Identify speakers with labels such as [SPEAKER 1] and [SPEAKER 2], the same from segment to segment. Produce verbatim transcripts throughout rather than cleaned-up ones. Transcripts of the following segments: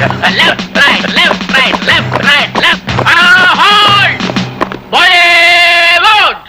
[SPEAKER 1] Left right left right left right left hold Bollywood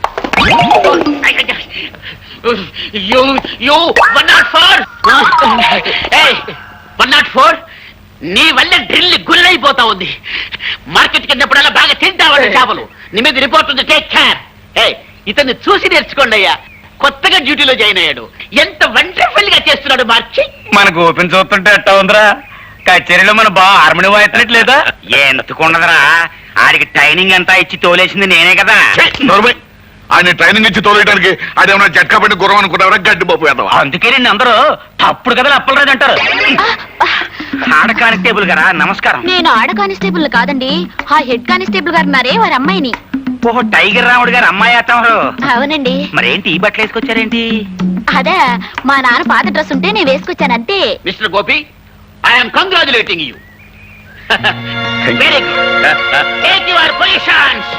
[SPEAKER 1] you you one nought four ఏయ్ one nought four నీ వల్ల drill గుల్లైపోతా ఉంది. Market కిందప్పుడల్లా బాగా తింటావాడు చేపలు. నీ మీద రిపోర్ట్ ఉంది, టేక్ కేర్. ఏ ఇతన్ని చూసి నేర్చుకోండి అయ్యా. కొత్తగా డ్యూటీలో జాయిన్ అయ్యాడు. ఎంత వండర్ఫుల్ గా చేస్తున్నాడు మార్చి.
[SPEAKER 2] మన గోపిని చూస్తుంటే ఎట్టా ఉందిరా? కచేరీలో మన బా హార్మోని వాయిస్తున్నట్లేదా? ఎందుకుండదురా, ఆడికి ట్రైనింగ్ అంతా ఇచ్చి తోలేసింది నేనే కదా.
[SPEAKER 3] ఆయన ట్రైనింగ్ ఇచ్చి తోలేయడానికి అదేమన్నా జట్కా పెట్టి గుర్రం అనుకుంటారా? గడ్డి పప్పు వేద్దాం.
[SPEAKER 2] అందుకే నేను అందరూ తప్పుడు కదా అప్పలరాజు అంటారు. ఆడ కానిస్టేబుల్ గారా, నమస్కారం.
[SPEAKER 4] నేను ఆడ కానిస్టేబుల్ కాదండి, ఆ హెడ్ కానిస్టేబుల్ గారు ఉన్నారే వారి అమ్మాయిని.
[SPEAKER 2] ఓహో, టైగర్ రాముడు గారు అమ్మాయి అత్తమారు.
[SPEAKER 4] అవునండి.
[SPEAKER 2] మరేంటి ఈ బట్టలు వేసుకొచ్చారేంటి?
[SPEAKER 4] అదే మా నాన్న పాత డ్రెస్ ఉంటే నేను వేసుకొచ్చాను అంతే.
[SPEAKER 1] Mister Gopi, I'm congratulating you. Very good. Take your positions.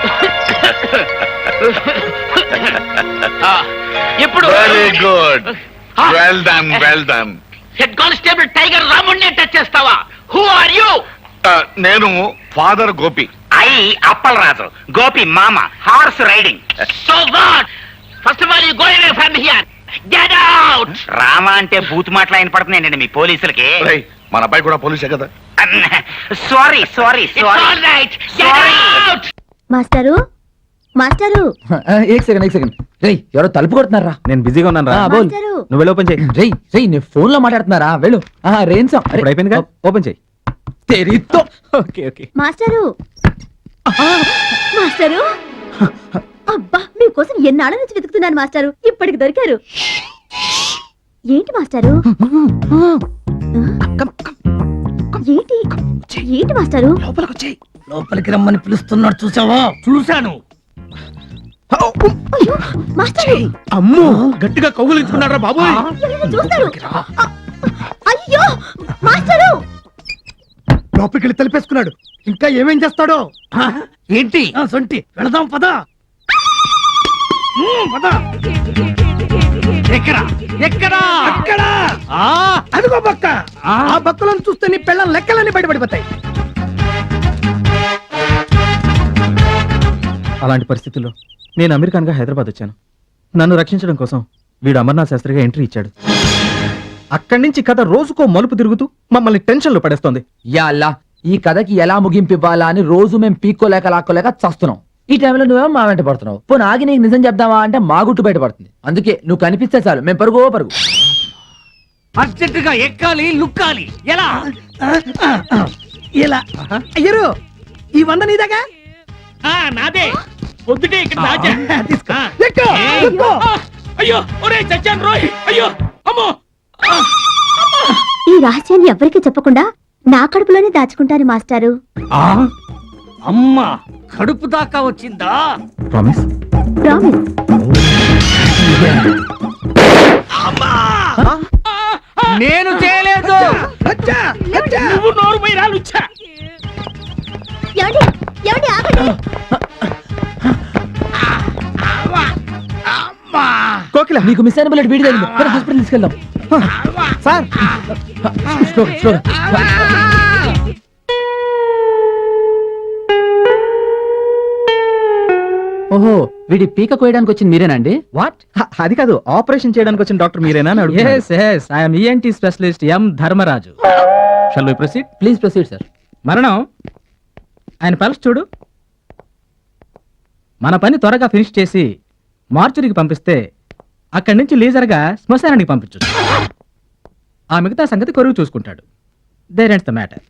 [SPEAKER 1] ఇప్పుడు
[SPEAKER 3] very good, well done well done.
[SPEAKER 1] Head constable tiger రాముడిని టచ్ చేస్తావా? Who are you?
[SPEAKER 3] నేను ఫాదర్ గోపి.
[SPEAKER 2] ఐ అప్పలరాజు, గోపి మామ, horse riding.
[SPEAKER 1] So what? First of all you go away from here. Get out.
[SPEAKER 2] Rama అంటే బూత్ మాటలు ఆయన పడుతున్నాయండి మీ పోలీసులకి.
[SPEAKER 3] మన అబ్బాయి కూడా పోలీసే కదా.
[SPEAKER 2] Sorry sorry sorry.
[SPEAKER 1] All right, get out.
[SPEAKER 4] Master master
[SPEAKER 5] ఏక్ సెకండ్ ఏక్ సెకండ్ రేయ్, ఎవరో తలుపు కొడుతున్నారా?
[SPEAKER 6] నేను బిజీగా ఉన్నాను రా.
[SPEAKER 5] బోల్,
[SPEAKER 6] నువ్వు వెళ్ళి ఓపెన్ చేయి.
[SPEAKER 5] రేయ్ రేయ్ నేను ఫోన్ లో మాట్లాడుతున్నారా? వెళ్ళు. రేంసం
[SPEAKER 6] ఇప్పుడు అయిపోయింది కదా, ఓపెన్ చేయి.
[SPEAKER 5] తెరితో.
[SPEAKER 6] Okay okay.
[SPEAKER 4] మాస్టరు మాస్టరు అబ్బా మీకోసం ఎన్నాళ్ళ నుంచి వెతుకుతున్నాను మాస్టరు, ఇప్పటికి దొరికారు. ఏంటి మాస్టరు? ఏంటి ఏంటి మాస్టరు?
[SPEAKER 5] లోపలికి వచ్చేయ్. లోపలికి రమ్మని పిలుస్తున్నాడు, చూసావా?
[SPEAKER 6] చూశాను.
[SPEAKER 4] అయ్యో మాస్టరు,
[SPEAKER 6] అమ్మో, గట్టిగా కౌగులించుకున్నారా బాబు?
[SPEAKER 4] ఎవరైనా చూస్తారు. అ- అయ్యో మాస్టరు,
[SPEAKER 5] లోపలికి వెళ్ళి తలిపేసుకున్నాడు. ఇంకా ఏమేం చేస్తాడో ఏంటి? సొంటి వెళదాం పద. పద. ఎక్కడా ఎక్కడా అక్కడా అదిగో బక్క. ఆ బక్కలను చూస్తే నీ పెళ్ళం లెక్కలన్నీ బయటపడిపోతాయి.
[SPEAKER 6] అలాంటి పరిస్థితుల్లో నేను అమెరికన్గా హైదరాబాద్ వచ్చాను. నన్ను రక్షించడం కోసం వీడు అమర్నాథ్ శాస్త్రిగా ఎంట్రీ ఇచ్చాడు. అక్కడి నుంచి కథ రోజుకో మలుపు తిరుగుతూ మమ్మల్ని టెన్షన్ లో పడేస్తోంది.
[SPEAKER 5] యా అల్లా, ఈ కథకి ఎలా ముగింపు ఇవ్వాలా అని రోజు మేము పీక్కోలేక లాక్కోలేక చస్తున్నాం. ఈ టైంలో నువ్వేమో మా వెంట పడుతున్నావు. పోనీ ఆగి నీకు నిజం చెప్దామా అంటే మా గుట్టు బయట పడుతుంది. అందుకే నువ్వు కనిపిస్తే చాలు మేము పరుగో పరుగు.
[SPEAKER 7] అర్జెంటుగా ఎక్కాలి, లుక్కాలి. ఎలా
[SPEAKER 5] ఇలా అయ్యరు, ఈ వంద నీదాగా?
[SPEAKER 7] ఆ, నాదే. పొద్దుటే ఇక్కడ దాచా.
[SPEAKER 5] తీసుకో.
[SPEAKER 7] ఆ.
[SPEAKER 5] ఎక్కు, ఎక్కు.
[SPEAKER 7] ఆ, అయ్యో ఒరే చచ్చాను రోయ్. అయ్యో అమ్మో.
[SPEAKER 4] ఈ రహస్యాన్ని ఎవరికి చెప్పకుండా నా కడుపులోనే దాచుకుంటాను మాస్టారు.
[SPEAKER 7] అమ్మా, కడుపు దాకా వచ్చిందా?
[SPEAKER 6] ప్రామిస్.
[SPEAKER 4] ప్రామిస్.
[SPEAKER 7] నేను చేయలేదు. నువ్వు నోరు పోయి రాలుచ్చా.
[SPEAKER 4] ఏమండి ఏమండి ఆగండి.
[SPEAKER 5] కోకిల, నీకు మిస్ అయిన బుల్లెట్ వీడి తగిలింది. పద, హాస్పిటల్ తీసుకెళ్దాం. సార్ స్లోగా స్లోగా. ఓహో, వీడి పీక కోయడానికి వచ్చింది మీరేనండి?
[SPEAKER 6] వాట్? అది కాదు, ఆపరేషన్ చేయడానికి వచ్చిన డాక్టర్ మీరేనా అని అడుగుతున్నాను.
[SPEAKER 8] Yes, yes, I am E N T specialist M Dharmaraju.
[SPEAKER 6] Shall we proceed?
[SPEAKER 5] Please proceed sir.
[SPEAKER 8] మరణం ఆయన పల్స్ చూడు. మన పని త్వరగా ఫినిష్ చేసి మార్చురికి పంపిస్తే అక్కడి నుంచి లీజర్గా శ్మశానానికి పంపించు. ఆ మిగతా సంగతి కొరువు చూసుకుంటాడు. There ends the matter.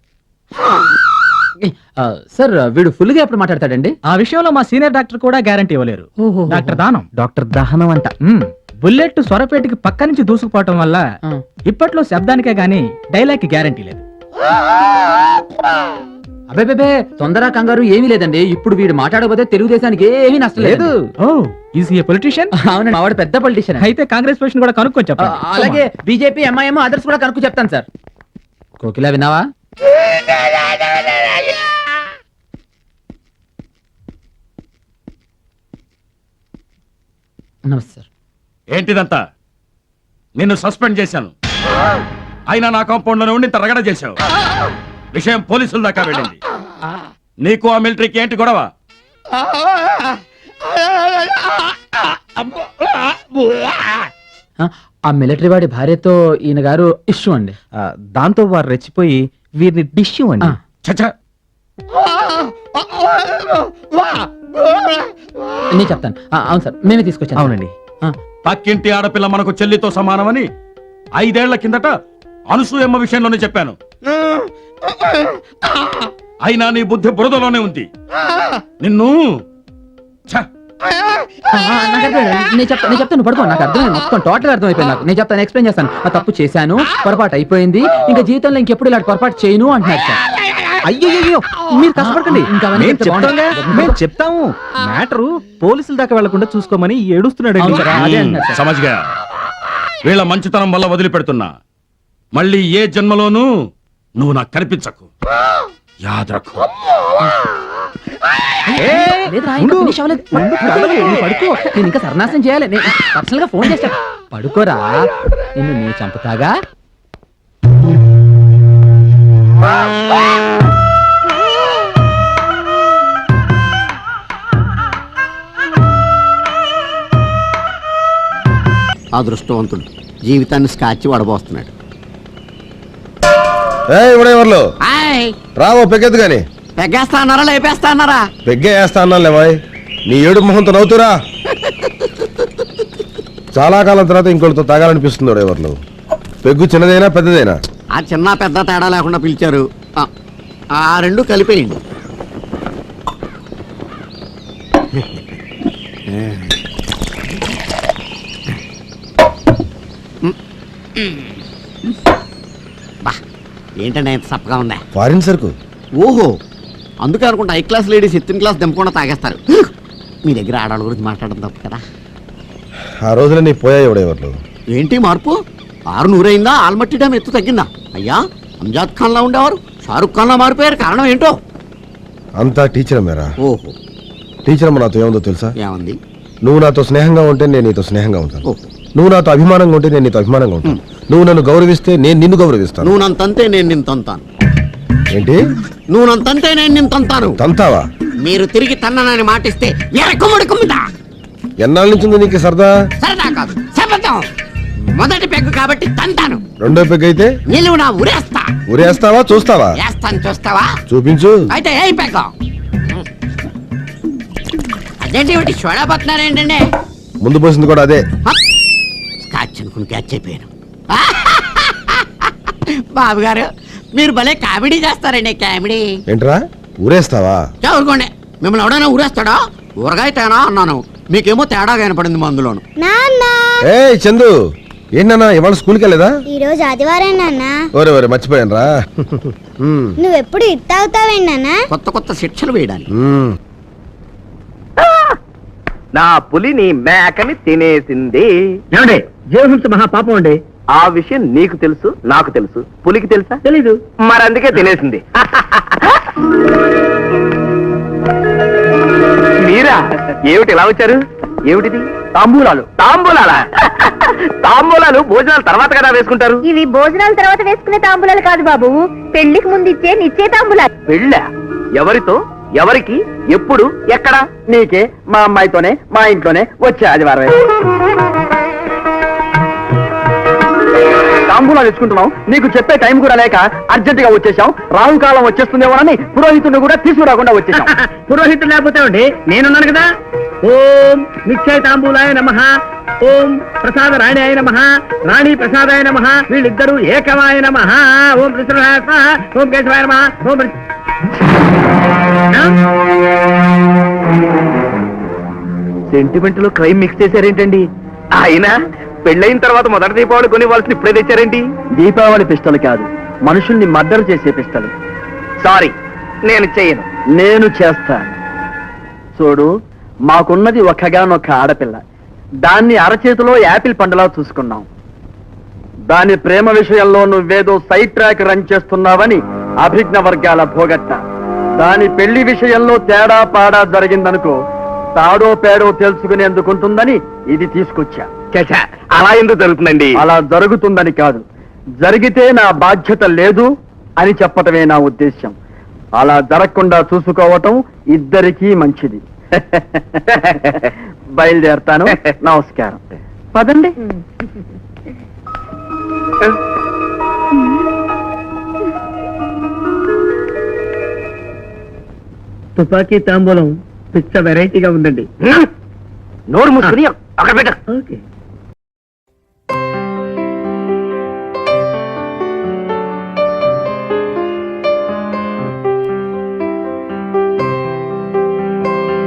[SPEAKER 5] Sir వీడు ఫుల్ గా ఎప్పుడు మాట్లాడతాడండి?
[SPEAKER 8] ఆ విషయంలో మా సీనియర్ డాక్టర్ కూడా గ్యారంటీ ఇవ్వలేరు. డాక్టర్ దానం.
[SPEAKER 6] డాక్టర్ దహనం అంట.
[SPEAKER 8] బుల్లెట్ స్వరపేటకి పక్క నుంచి దూసుకుపోవటం వల్ల ఇప్పట్లో శబ్దానికే గానీ డైలాగ్ కి గ్యారంటీ లేదు.
[SPEAKER 5] అబే తొందర కంగారు ఏమీ లేదండి. ఇప్పుడు వీడు మాట్లాడకపోతే తెలుగుదేశానికి ఏమీ నష్టం లేదు.
[SPEAKER 8] Oh, is a politician?
[SPEAKER 5] అవునండి, మావాడు పెద్ద పొలిటీషియన్.
[SPEAKER 8] అయితే కాంగ్రెస్ పొజిషన్ కూడా కనుక్కొని చెప్పండి.
[SPEAKER 5] అలాగే బీజేపీ, ఎంఐఎం, అదర్స్ కూడా కనుక్కు చెప్తాను సార్. కోకిల, విన్నావా? నమస్తే సార్.
[SPEAKER 7] ఏంటిదంతా? నిన్ను సస్పెండ్ చేశాను. అయినా నా కాంపౌండ్ లోనే ఉండి ఇంత రగడ చేశావు. విషయం పోలీసుల దాకా వెళ్ళింది. నీకు ఆ మిలిటరీకి ఏంటి గొడవ?
[SPEAKER 5] ఆ, ఆ మిలిటరీ వాడి భార్యతో ఈయన గారు ఇష్యూ అండి.
[SPEAKER 6] ఆ, దాంతో వారు రెచ్చిపోయి వీరిని డిష్యూ అండి.
[SPEAKER 5] ఆ.
[SPEAKER 7] చచ్చా,
[SPEAKER 5] నేను చెప్తాను. ఆ, అవును సార్, మేమే తీసుకొచ్చాను.
[SPEAKER 6] అవునండి.
[SPEAKER 5] ఆ,
[SPEAKER 7] పక్కింటి ఆడపిల్ల మనకు చెల్లితో సమానమని ఐదేళ్ల కిందట అనసూయమ్మ విషయంలోనే చెప్పాను. అయినా నీ బుద్ధి బురదలోనే ఉంది. నిన్ను ఛ!
[SPEAKER 5] ఆ, ఆ, నాకు అర్థమైంది. నేను చెప్తాను నేను చెప్తాను పడుకో. నాకు అర్థమైంది, మొత్తం టోటల్ అర్థమైపోయింది నాకు. నేను చెప్తాను, ఎక్స్ప్లెయిన్ చేస్తాను. ఆ తప్పు చేశాను, పొరపాటు అయిపోయింది, ఇంకా జీవితంలో ఇంకెప్పుడు ఇలాంటి పొరపాటు చేయను అంటున్నారు సార్.
[SPEAKER 6] అయ్యో మీరు కష్టపడకండి.
[SPEAKER 5] ఇంకా అవన్నీ
[SPEAKER 6] మేము
[SPEAKER 5] చెప్తే
[SPEAKER 6] చెప్తాంగా,
[SPEAKER 5] బాగుండదు.
[SPEAKER 6] మేము చెప్తాము. మ్యాటరు పోలీసుల దాకా వెళ్లకుండా చూసుకోమని ఏడుస్తున్నాడు.
[SPEAKER 5] అవును సార్, అదే అంటున్నారు సార్.
[SPEAKER 7] సమజ్గా వీళ్ళ మంచితనం వల్ల వదిలిపెడుతున్నా. మళ్ళీ ఏ జన్మలోనూ నువ్వు నాకు కనిపించకు. యాదరకు.
[SPEAKER 5] లేదురా, ఇంకా finish అవ్వలేదు. పడుకో, నువ్వు పడుకో. నేను ఇంకా సర్నాశనం చేయాలి. నేను పర్సనల్ గా ఫోన్ చేస్తా. పడుకోరా, నిన్ను నేను చంపుతాగా.
[SPEAKER 1] అదృష్టవంతుడు జీవితాన్ని స్కాచ్ వడబోస్తున్నాడు.
[SPEAKER 9] ఇవిడెవర్లు రావో పెగ్గెద్దు గాని.
[SPEAKER 1] పెగ్గేస్తా అన్నారా లేపేస్తా అన్నారా?
[SPEAKER 9] పెగ్గే వేస్తా అన్నాను లేవాయ్. నీ ఏడు మొహంతో నవ్వుతురా. చాలా కాలం తర్వాత ఇంకోటితో తాగాలనిపిస్తుంది. ఎవరు పెగ్గు చిన్నదైనా పెద్దదైనా?
[SPEAKER 1] ఆ చిన్న పెద్ద తేడా లేకుండా పిలిచారు. ఆ, ఆ రెండు కలిపేయండి. బా, ఏంటంటే ఎంత సప్పగా ఉందా?
[SPEAKER 9] ఫారిన్ సరుకు.
[SPEAKER 1] ఓహో, అందుకే అనుకుంటా హై క్లాస్ లేడీస్ ఎత్తిన క్లాస్ దింపకుండా తాగేస్తారు. మీ దగ్గర ఆడవాళ్ళ గురించి మాట్లాడడం తప్పు కదా.
[SPEAKER 9] ఆ రోజున నీ పోయాయి ఎవడెవర్లు.
[SPEAKER 1] ఏంటి మార్పు? ఆరు నూరైందా? ఆల్మట్టి డ్యామ్ ఎత్తు తగ్గిందా? అయ్యా, అంజాద్ ఖాన్ లా ఉండేవారు షారుఖ్ ఖాన్ లా మారిపోయారు. కారణం ఏంటో?
[SPEAKER 9] అంతా టీచర్ మేరా.
[SPEAKER 1] ఓహో,
[SPEAKER 9] టీచర్ అమ్మ నాతో ఏముందో తెలుసా?
[SPEAKER 1] ఏమంది?
[SPEAKER 9] నువ్వు నాతో స్నేహంగా ఉంటే నేను నీతో స్నేహంగా ఉంటాను.
[SPEAKER 1] ఓహో,
[SPEAKER 9] నువ్వు నాతో అభిమానంగా ఉంటే నేను నీతో అభిమానంగా ఉంటాను. నువ్వు నన్ను గౌరవిస్తే నేను నిన్ను గౌరవిస్తాను.
[SPEAKER 1] నువ్వు నన్ను తంతే నేను నిన్ను తంతాను.
[SPEAKER 9] ఏంటి?
[SPEAKER 1] నువ్వు నన్ను తంతే నేను నిన్ను తంతాను.
[SPEAKER 9] తంతావా?
[SPEAKER 1] మీరు తిరిగి తన్ననని మాటిస్తే ఎరకుమ్ముడు కుమ్ముతా.
[SPEAKER 9] ఎన్నాళ్ళ నుంచి ఉంది నీకు సరదా?
[SPEAKER 1] సరదా కాదు, శపథం. మొదటి పెగ్గు కాబట్టి తంతాను.
[SPEAKER 9] రెండో పెగ్ అయితే
[SPEAKER 1] నిలువు నా ఉరేస్తా.
[SPEAKER 9] ఉరేస్తావా చూస్తావా?
[SPEAKER 1] వేస్తాను, చూస్తావా?
[SPEAKER 9] చూపించు.
[SPEAKER 1] అయితే ఏ పెగ్గ? అదేంటి ఒకటి చూడబోతున్నారేంటండి?
[SPEAKER 9] ముందు పోసింది కూడా అదే.
[SPEAKER 1] స్కాచ్ అనుకుని క్యాచ్ అయిపోయాను. బాబు గారు, మీరు భలే కామెడీ చేస్తారండి. కామెడీ
[SPEAKER 9] ఏంట్రా ఊరేస్తావా?
[SPEAKER 1] ఊరుకోండి. మిమ్మల్ని ఎవడైనా ఊరేస్తాడా? ఊరగాయ తేనా అన్నాను, మీకేమో తేడా కనపడింది మందులోను.
[SPEAKER 9] ఏ చందు, ఏంటన్నా ఇవాళ స్కూల్కి వెళ్ళేదా?
[SPEAKER 10] ఈ రోజు ఆదివారం నాన్న.
[SPEAKER 9] ఓరే ఓరే మర్చిపోయాను రా.
[SPEAKER 10] నువ్వెప్పుడు ఇట్టావుతావేంటి నాన్న?
[SPEAKER 1] కొత్త కొత్త శిక్షలు వేయడానికి.
[SPEAKER 2] నా పులిని మేకని తినేసింది.
[SPEAKER 1] ఏమండి, జీవహింస మహాపాపం అండి.
[SPEAKER 2] ఆ విషయం నీకు తెలుసు, నాకు తెలుసు. పులికి తెలుసా?
[SPEAKER 1] తెలీదు.
[SPEAKER 2] మరి అందుకే తినేసింది. మీరా? ఏమిటి ఇలా వచ్చారు? ఏమిటిది? తాంబూలాలు. తాంబూలాలా? తాంబూలాలు భోజనాలు తర్వాత కదా వేసుకుంటారు.
[SPEAKER 4] ఇవి భోజనాల తర్వాత వేసుకునే తాంబూలాలు కాదు బాబు, పెళ్లికి ముందు ఇచ్చే నిచ్చే తాంబూలాలు.
[SPEAKER 2] పెళ్ళ? ఎవరితో, ఎవరికి, ఎప్పుడు, ఎక్కడ?
[SPEAKER 1] నీకే, మా అమ్మాయితోనే, మా ఇంట్లోనే వచ్చే ఆదివారం. తాంబూలాలు తెచ్చుకుంటున్నాం, నీకు చెప్పే టైం కూడా లేక అర్జెంట్ గా వచ్చేసాం. రాహుకాలం వచ్చేస్తుందేమోనని పురోహితుడిని కూడా తీసుకురాకుండా వచ్చేసాం. పురోహితుడు లేకపోతే అండి నేనున్నాను కదా. ఓం నిశ్చయ తాంబూలాయ నమః, ఓం ప్రసాద రాణి నమః, రాణి ప్రసాదాయ నమః, వీళ్ళిద్దరూ ఏకమాయ నమః. ఓం కృష్ణాయ స్వాహ, ఓం కేశవాయ నమః, ఓం
[SPEAKER 2] సెంటిమెంట్ లో క్రైమ్ మిక్స్ చేశారేంటండి? ఆయన పెళ్ళైన తర్వాత మొదటి దీపావళి కొనివ్వాల్సిన ఇప్పుడే తెచ్చారేంటి?
[SPEAKER 1] దీపావళి పిస్టల్ కాదు, మనుషుల్ని మర్డర్ చేసే పిస్టల్.
[SPEAKER 2] సారీ, నేను చేయను.
[SPEAKER 1] నేను చేస్తాను. చూడు, మాకున్నది ఒక్కగానొక్క ఆడపిల్ల. దాన్ని అరచేతిలో యాపిల్ పండులా చూసుకున్నాం. దాని ప్రేమ విషయంలో నువ్వేదో సైడ్ ట్రాక్ రన్ చేస్తున్నావని అభిజ్ఞ వర్గాల భోగట్ట. దాని పెళ్లి విషయంలో తేడా పాడా జరిగిందనుకో, తాడో పేడో తెలుసుకునేందుకుంటుందని ఇది తీసుకొచ్చా.
[SPEAKER 2] చచ్చా, అలా ఎందుకు జరుగుతుందండి?
[SPEAKER 1] అలా జరుగుతుందని కాదు,
[SPEAKER 11] జరిగితే నా బాధ్యత లేదు అని చెప్పటమే నా ఉద్దేశ్యం. అలా జరగకుండా చూసుకోవటం ఇద్దరికీ మంచిది. బయలుదేరతాను. నమస్కారం. పదండి. తుపాకీ తాంబూలం పిచ్చ వెరైటీగా ఉందండి.
[SPEAKER 2] నోరు మూసుకుని అక్కడ పెట్ట
[SPEAKER 11] ఓకే.